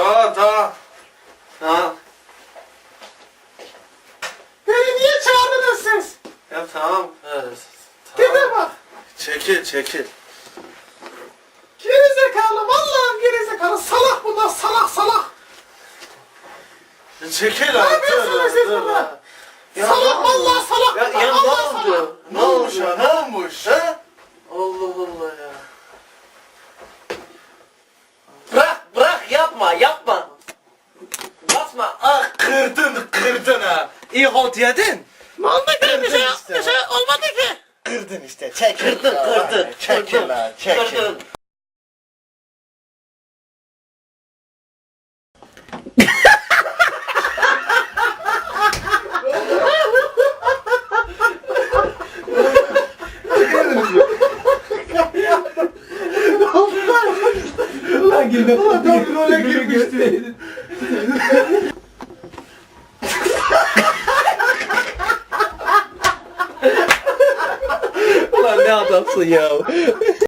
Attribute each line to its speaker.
Speaker 1: Tamam.
Speaker 2: Beni niye çağırdınız siz?
Speaker 1: Ya tamam.
Speaker 2: Gide bak.
Speaker 1: Çekil.
Speaker 2: Gerizekalı, vallahi gerizekalı. Salak bunlar, salak.
Speaker 1: Çekil
Speaker 2: Ne yapıyorsunuz siz burada? Salak, vallahi salak.
Speaker 1: Ya ne
Speaker 2: Allah salak.
Speaker 1: oldu? Ne olmuş? Ha? Allah Allah ya.
Speaker 3: Bırak yapma. Basma. Ah
Speaker 1: Kırdın ha. İyi halt yedin.
Speaker 2: Ne oldu ki? Bir şey
Speaker 1: işte.
Speaker 2: olmadı ki.
Speaker 1: Kırdın işte. Çekil.
Speaker 3: Kırdın.
Speaker 1: Çekil lan.
Speaker 3: Kırdın.
Speaker 2: Role girmişti.
Speaker 3: Ulan ne adamsın ya.